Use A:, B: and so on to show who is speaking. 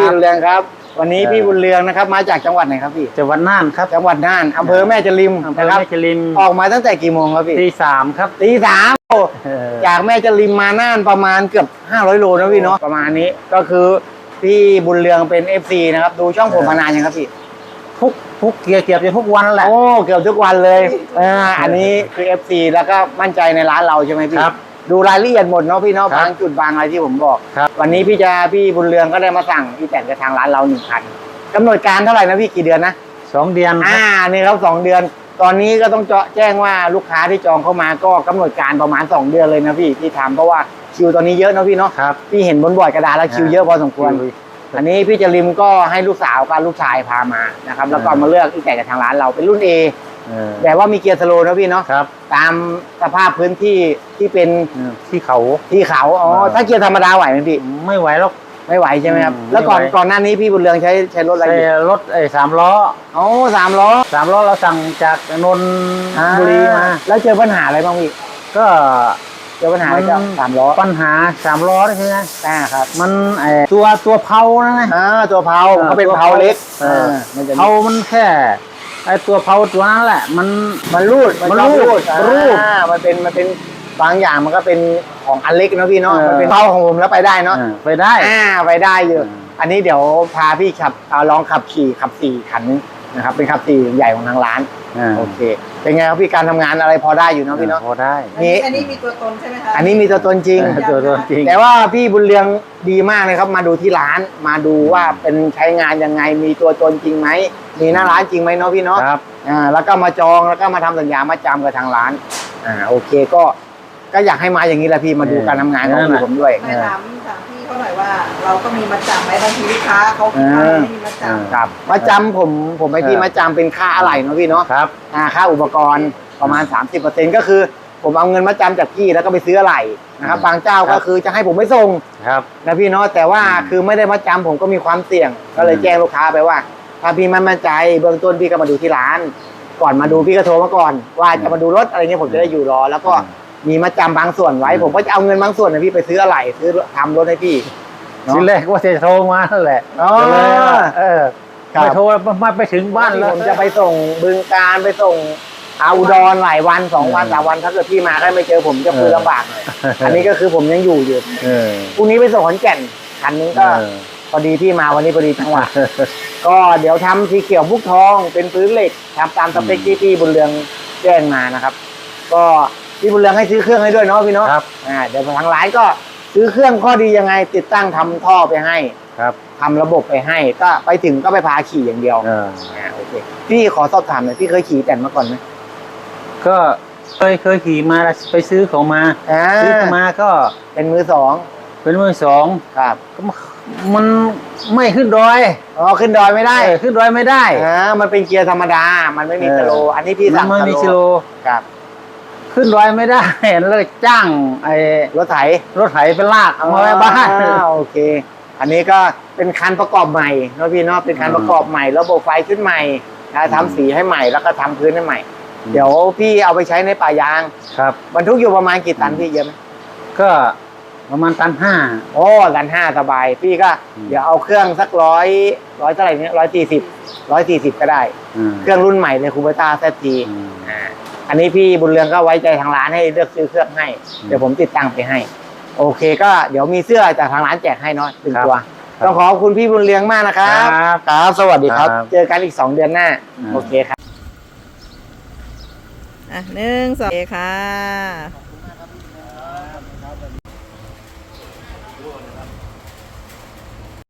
A: บุญเรืองครับวันนี้พี่บุญเรืองนะครับมาจากจังหวัดไหนครับพี่
B: จังหวัดน่านครับ
A: จังหวัดน่านอำเภอแม่จริม
B: อำเภอแม่จริม
A: ออกมาตั้งแต่กี่โมงครับพี่
B: ตี 3ครับ
A: ตี 3จากแม่จริมมาน่านประมาณเกือบ500 โลนะพี่เนาะประมาณนี้ก็คือพี่บุญเรืองเป็น FC นะครับดูช่องผมมานานยังครับพี่
B: ทุกเกือบจะทุกวันแหละ
A: โอ้เกือบทุกวันเลยอันนี้คือ FC แล้วก็มั่นใจในร้านเราใช่ไหมพี่
B: ครับ
A: ดูรายละเอียดหมดเนาะพี่เนาะบางจุดบางอะไรที่ผมบอกวันนี้พี่บุญเรืองก็ได้มาสั่งพี่แต่งกับทางร้านเรา1 คันกำหนดการเท่าไหร่นะพี่กี่เดือนนะ
B: 2 เดือน
A: นี่ครับ2 เดือนตอนนี้ก็ต้องแจ้งว่าลูกค้าที่จองเข้ามาก็กำหนดการประมาณ2 เดือนเลยนะพี่ที่ทำเพราะว่าคิวตอนนี้เยอะนะพี่เนาะพี่เห็นบนบอร์ดกระดาษแล้วคิวเยอะพอสมควรอันนี้พี่จริมก็ให้ลูกสาวกับลูกชายพามานะครับแล้วก็มาเลือกที่แต่งกับทางร้านเราเป็นรุ่น Aแต่ว่ามีเกียร์สโลว์นะพี่เนาะตามสภาพพื้นที่ที่เป็น
B: ที่เขา
A: ถ้าเกียร์ธรรมดาไหวไหมพี่
B: ไม่ไหวหรอก
A: ไม่ไหวใช่ไหมครับแล้วก่อนหน้านี้พี่บุญเรืองใช้รถอะไร
B: รถ3 ล้อ
A: 3 ล้อ
B: เราสั่งจากนนทบุรีมา
A: แล้วเจอปัญหาอะไรบ้างพี่
B: ก็
A: เจอปัญหาจาก3 ล้อ
B: ปัญหา3 ล้อใช่ไหม
A: ครับ
B: มันตัวเพานะ
A: ตัวเพาเขาเป็นเพาเล็ก
B: เพามันแค่ตัวเพาตัวนั้นแหละ
A: มันรูดมันเป็นบางอย่างมันก็เป็นของอันเล็กนะพี่เนาะมันเป็นเพาของผมแล้วไปได้เนาะ
B: ไปได้
A: อยู่อันนี้เดี๋ยวพาพี่ขับลองขับ4 คันนะครับเป็นขับ4ใหญ่ของทางร้านโอเคเป็นไงครับพี่การทำงานอะไรพอได้อยู่เนาะพี่เนาะ
B: พอได้
C: อันนี้มีตัวตนใช่ไหมคะ
A: อันนี้มีตัวตนจริงแต่ว่าพี่บุญเรืองดีมากเลยครับมาดูที่ร้านมาดูว่าเป็นใช้งานยังไงมีตัวตนจริงไหมมีหน้าร้านจริงไหมเนาะพี่เนาะแล้วก็มาจองแล้วก็มาทำสัญญามาจำกับทางร้านโอเคก็อยากให้มาอย่างนี้แหละพี่มาดูการทำงานของผมด้วย
C: ไม่ถามพี่เขาหน่อยว่าเราก็มีมาจำไหมบางทีลูกค้าเขาไม่มีมาจำ
A: ครับมาจำผมให้พี่มาจำเป็นค่าอะไหล่เนาะพี่เนาะค่าอุปกรณ์ประมาณ 30%ก็คือผมเอาเงินมาจำจากพี่แล้วก็ไปซื้ออะไหล่นะครับบางเจ้าก็คือจะให้ผมไม่ส่งนะพี่เนาะแต่ว่าคือไม่ได้มาจำผมก็มีความเสี่ยงก็เลยแจ้งลูกค้าไปว่าถ้าพี่ไม่มั่นใจเบื้องต้นพี่ก็มาดูที่ร้านก่อนมาดูพี่ก็โทรมาก่อนว่าจะมาดูรถอะไรเงี้ยผมจะได้อยู่รอแล้วก็มีมาจำบางส่วนไว้ผมก็จะเอาเงินบางส่วนนะพี่ไปซื้ออะไหล่ซื้อทำรถให้พี่
B: ทีแรกว่าจะโทรมานั่นแหละไปโทรมาไปถึงบ้านแล้ว
A: ผมจะไปส่งบึงการไปส่งอุดรหลายวัน2 วัน3 วันถ้าเกิดพี่มาได้ไม่เจอผมจะคุยลำบากหน่อยอันนี้ก็คือผมยังอยู่พรุ่งนี้ไปส่งขอนแก่นคันนึงก็พอดีพี่มาวันนี้พอดีจังหวะก็เดี๋ยวทำสีเขียวพุกทองเป็นพื้นเหล็กทำตามสเปคที่พี่บุญเรืองแจ้งมานะครับก็พี่บุญเรืองให้ซื้อเครื่องให้ด้วยเนาะพี่เนาะเดี๋ยวทางร้านก็ซื้อเครื่องข้อดียังไงติดตั้งทำท่อไปให้ทำระบบไปให้ก็ไปถึงก็ไปพาขี่อย่างเดียวโอเคพี่ขอสอบถามหน่อยพี่เคยขี่แต่มาก่อนไหม
B: ก็เคยขี่มาไปซื้อของมาซื้อมาก็
A: เป็นมือ2ครับ
B: มันไม่ขึ้นดอย
A: ขึ้นดอยไม่ได้
B: ขึ้นดอยไม่ได้
A: มันเป็นเกียร์ธรรมดามันไม่มีสโลอันนี้พี่สั่ง
B: ไม่มีสโล
A: ครับ
B: ขึ้นดอยไม่ได้แล้วจ้าง
A: รถไถ
B: ไปลากมาไว้บ้าน
A: โอเคอันนี้ก็เป็นคันประกอบใหม่เนาะพี่เนาะเป็นคันประกอบใหม่ระบบไฟขึ้นใหม่ทำสีให้ใหม่แล้วก็ทำพื้นให้ใหม่เดี๋ยวพี่เอาไปใช้ในป่ายาง
B: ครับ
A: บรรทุกอยู่ประมาณกี่ตันพี่เยอะไหม
B: ก็ประมาณ1.5 ตัน
A: ตัน 5สบายพี่ก็เดี๋ยวเอาเครื่องสัก100เท่าไหร่เนี่ย140ก็ได้เครื่องรุ่นใหม่เลยคูเบต้าZTอันนี้พี่บุญเรืองก็ไว้ใจทางร้านให้เลือกซื้อเครื่องให้เดี๋ยวผมติดตั้งไปให้โอเคก็เดี๋ยวมีเสื้อจากทางร้านแจกให้เนาะ1 ตัวต้องขอบคุณพี่บุญเรืองมากนะครับครับสวัสดีครับเจอกันอีก2 เดือนหน้าโอเคครับ
C: 1 2ค่ะ